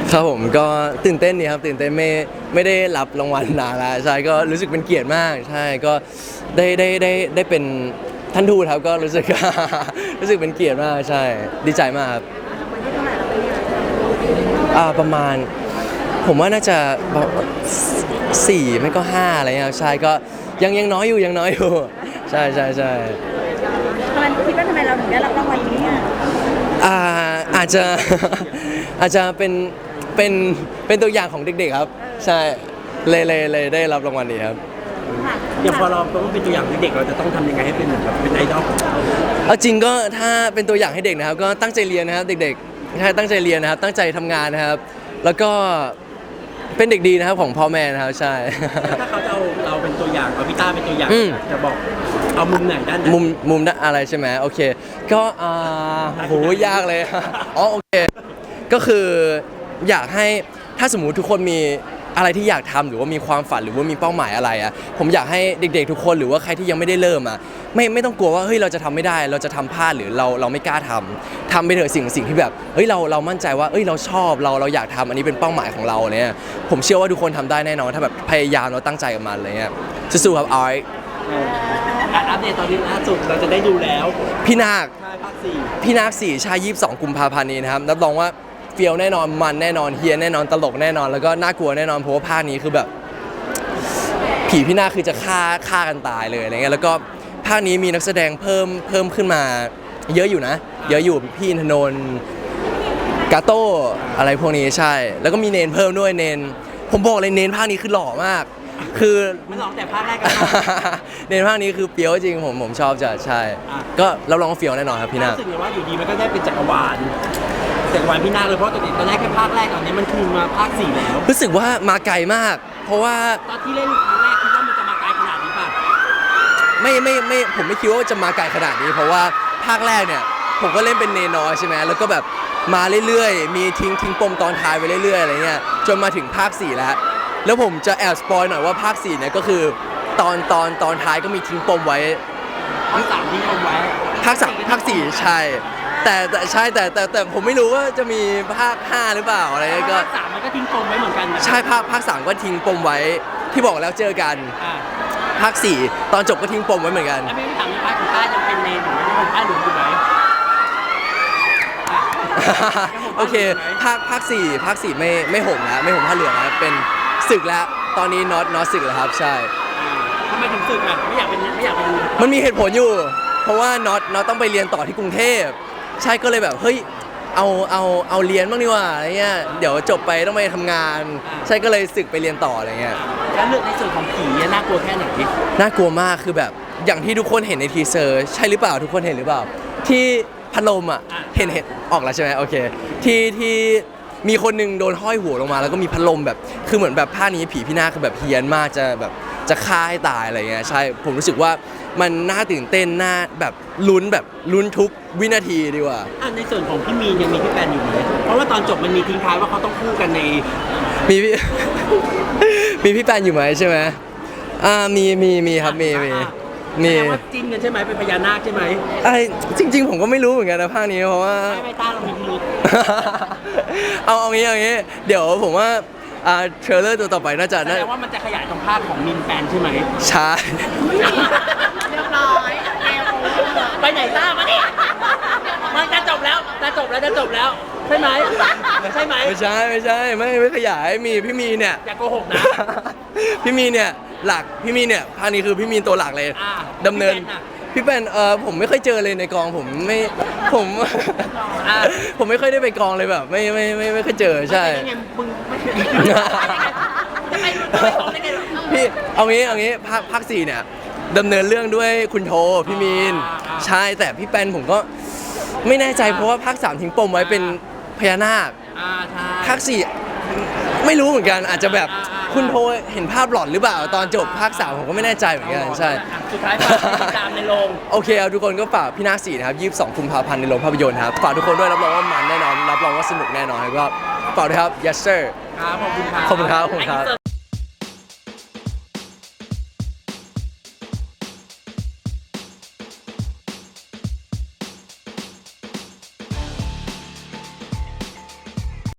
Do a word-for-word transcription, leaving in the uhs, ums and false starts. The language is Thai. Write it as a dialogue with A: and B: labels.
A: ครับผมก็ตื่นเต้นดีครับตื่นเต้นไม่ไม่ได้รับรางวัลนานแล้วใช่ก็รู้สึกเป็นเกียรติมากใช่ก็ได้ได้ได้ได้เป็นท่านทูตครับก็รู้สึก รู้สึกเป็นเกียรติมากใช่ดีใจมากครับอ่าประมาณผมว่าน่าจะสี่ไม่ก็ห้าอะไรเงี้ยครับใช่ก็ยังยังน้อยอยู่ยังน้อยอยู่ใช่ใช่ใช่
B: ทำไมคิดว่าทำไมเราถึงได้รับรางวัลนี้อ่ะ
A: อ่าอาจจะ อาจจะเป็นเป็นเป็นตัวอย่างของเด็กๆครับใช่เลยเลยเลยได้รับรางวัลนี้ครับ
C: อย่างพอเราต้องเป็นตัวอย่างให้เด็กเราจะต้องทำยังไงให้เป็นแบบเป็นไอดอล
A: เอาจริงก็ถ้าเป็นตัวอย่างให้เด็กนะครับก็ตั้งใจเรียนนะครับเด็กๆใช่ตั้งใจเรียนนะครับตั้งใจทำงานนะครับ แล้วก็เป็นเด็กดีนะครับของพ่อแม่นะครับใช่
C: ถ้าเขาจะเอาเราเป็นตัวอย่างเอาพี่ต้าเป็นตัวอย่าง
A: อืม
C: จะบอกเอามุมไหนด้านไหน
A: มุมมุมด้านอะไรใช่ไหมโอเคก็อ่าโหยากเลย อ๋อโอเคก็คืออยากให้ถ้าสมมุติทุกคนมีอะไรที่อยากทำหรือว่ามีความฝันหรือว่ามีเป้าหมายอะไรอ่ะผมอยากให้เด็กๆทุกคนหรือว่าใครที่ยังไม่ได้เริ่มอ่ะไม่ไม่ต้องกลัวว่าเฮ้ยเราจะทำไม่ได้เราจะทำพลาดหรือเราเราไม่กล้าทำทำไปเถอะสิ่งสิ่งที่แบบเฮ้ยเราเรามั่นใจว่าเอ้ยเราชอบเราเราอยากทำอันนี้เป็นเป้าหมายของเราเนี่ยผมเชื่อว่าทุกคนทำได้แน่นอนถ้าแบบพยายามเราตั้งใจกับมันอะไรเงี้ยสู้ๆครับออย
C: การอัปเดตตอนนี้ล่าสุดเราจะได้ดูแล้ว
A: พี่นาค
C: ใช่ภาคสี่
A: พี่นาคสี่ชายยี่สิบสองกุมภาพันธ์นี้นะครับรับรองว่าเฟียวแน่นอนมันแน่นอนเฮียแน่นอนตลกแน่นอนแล้วก็น่ากลัวแน่นอนเพราะว่าภาคนี้คือแบบผีพี่นาคคือจะฆ่าฆ่ากันตายเลยอะไรเงี้ยแล้วก็ภาคนี้มีนักแสดงเพิ่มเพิ่มขึ้นมาเยอะอยู่นะเยอะอยู่พี่อินทนนท์กาโต้อะไรพวกนี้ใช่ แล้วก็มีเนนเพิ่มด้วยเนนผมบอกเลยเนนภาคนี้คือหล่อมากคือ
C: มันหลอกแต่ภาคแรกกัน
A: เนนภาคนี้คือเฟี้ยวจริงผมผมชอบจะใช่
C: อ่ะ
A: ก็รับรองว่าเฟี้ยวแน่นอนครับพี่นาค
C: รู้สึกไงว่าอยู่ดีมันก็ได้เป็นจักรวาลจักรวาลพี่นาคเลยเพราะตอนนี้ตอนแรกแค่ภาคแรกตอนนี้มันคือมาภาคสี่แล้ว
A: รู้สึกว่ามาไกลมาก เพราะว่า
C: ตอนที่เล่นครั้งแรกคิดว่ามันจะมาไกลขนาดนี้ป่ะ
A: ไม่ไม่ไม่ผมไม่คิดว่าจะมาไกลขนาดนี้ เพราะว่าภาคแรกเนี่ยผมก็เล่นเป็นเนนอยใช่ไหมแล้วก็แบบมาเรื่อยๆ มีทิ้งทิ้งปมตอนท้ายไปเรื่อยๆอะไรเงี้ยจนมาถึงภาคสี่แล้วแล้วผมจะแอบสปอยหน่อยว่าภาคสี่เนี่ยก็คือตอนตอนตอนท้ายก็มีทิ้งปมไว้
C: ภาคสามที่เอาไว้
A: ภาคสามภาคสี่ใช่ แต่แต่ใช่แต่แต่แต่ผมไม่รู้ว่าจะมีภาคห้าหรือเปล่าอะไรเงี้ยก็
C: ภาคสามมันก็ทิ้งปมไว้เหมือนกันนะ
A: ใช่ภาคภาคสามก็ทิ้งปมไว้ที่บอกแล้วเจอกัน
C: อ่า
A: ภาคสี่ตอนจบก็ทิ้งปมไว้เหมือนกัน
C: แล้วไม่ได้ถามในภาคของต้ายังเป็นเนนหรือไม่ได้เป็นต้าหลวงอยู่ไหม
A: โอเคภาคภาคสี่ภาคสี่ไม่ไม่ห่มแล้วไม่ห่มผ้าเหลืองแล้วเป็นศึกแล้วตอนนี้น็อตน็อตศึกแล้วครับใช่
C: ทำไมถึงสึกอ่ะไม่อยากเป็นไม่อยากเป็น
A: มันมีเหตุผลอยู่ เพราะว่าน็อตน็อตต้องไปเรียนต่อที่กรุงเทพใช่ก็เลยแบบเฮ้ยเอาเอาเอาเรียนบ้างดีกว่าอะไรเงี้ยเดี๋ยวจบไปต้องไปทำงาน ใช่ก็เลยศึกไปเรียนต่ออะไรเงี้ย
C: แล้วเรื่องในส่วนของผีเนี่ยน่ากลัวแค่ไหน
A: น่ากลัวมากคือแบบอย่างที่ทุกคนเห็นในทีเซอร์ใช่หรือเปล่าทุกคนเห็นหรือเปล่า ที่พัดลมอ่ะเห็นเห็นออกแล้วใช่ไหมโอเคที่ที่มีคนหนึงโดนห้อยหัวลงมาแล้วก็มีพัดลมแบบคือเหมือนแบบภาคนี้ผีพี่นาคคือแบบเฮี้ยนมากจะแบบจะฆ่าให้ตายอะไรเงี้ยใช่ผมรู้สึกว่ามันน่าตื่นเต้นน่าแบบลุ้นแบบลุ้นทุกวินาทีดีกว่า
C: อ่ะในส่วนของพี่มีนยังมีพี่แปนอยู่ไหมเพราะว่าตอนจบมันมีทิ้งท้ายว่าเขาต้องคู่กันใน
A: มีพี่ มีพี่แปนอยู่ไหมใช่ไหมอ่ามีมีมีครับมีมีมี
C: แสดงว่าจริงกันใช่ไหมเป็นพญานาคใช่ไหม
A: ไอ้จริง ๆ ผมก็ไม่รู้เหมือนกันนะภาคนี้เพราะว่า
C: ไม่ไม่ต้าเรามีพิรุธ
A: เอาเอางี้เอางี้เดี๋ยวผมว่าอ่าเทรลเลอร์ตัวต่อไปน่าจะ
C: แส
A: น่า
C: ดงว่ามันจะขยายตรงภาคของมินแปนใช่ไหม
A: ใช่
B: เรียบร้อยเกมโอเวอร์
C: ไปไหนต้ามาเนี่ยมันจะจบแล้วจะจบแล้วจะจบแล้วใช่ไหมใช่ไหม
A: ไม่ใช่ไม่ใช่ไม่ไม่ขยายมีพี่มีเนี่ย
C: อย่าโกหกนะ
A: พี่มีเนี่ยหลักพี่มีเนี่ยภาคนี้คือพี่มีตัวหลักเลย
C: อ่า
A: ดำเนิน
C: พี่แปนน่ะ
A: พี่แปนเออผมไม่เคยเจอเลยในกองผมไม่ผม
C: อ่า
A: ผมไม่ค่อยได้ไปกองเลยแบบไม่ไม่ไม่ไม่เคยเจอใช่
C: ไม่ไงมึงไม่จะไปไปสองได้ไง
A: พี่เอางี้เอางี้ภาคภาคสี่เนี่ยดำเนินเรื่องด้วยคุณโทพี่มีนใช่แต่พี่แปนผมก็ไม่แน่ใจเพราะว่าภาคสามทิ้งปมไว้เป็นพญานาค
C: อ่าใช่
A: ภาคสี่ไม่รู้เหมือนกันอาจจะแบบคุณโทเห็นภาพหลอนหรือเปล่าตอนจบภาคสามผมก็ไม่แน่ใจเหมือนกันใช่
C: สุดท้ายฝากติดตามในโรง
A: โอเคเอาทุกคนก็ฝากพี่นาคสี่นะครับยี่สิบสองกุมภาพันธ์ในโรงภาพยนตร์ครับฝากทุกคนด้วยรับรองว่ามันแน่นอนรับรองว่าสนุกแน่นอนแล้วก็ฝากด้วยครับ yes sir
C: ครับขอบคุณครับ
A: ขอบคุณครับขอบคุณครับ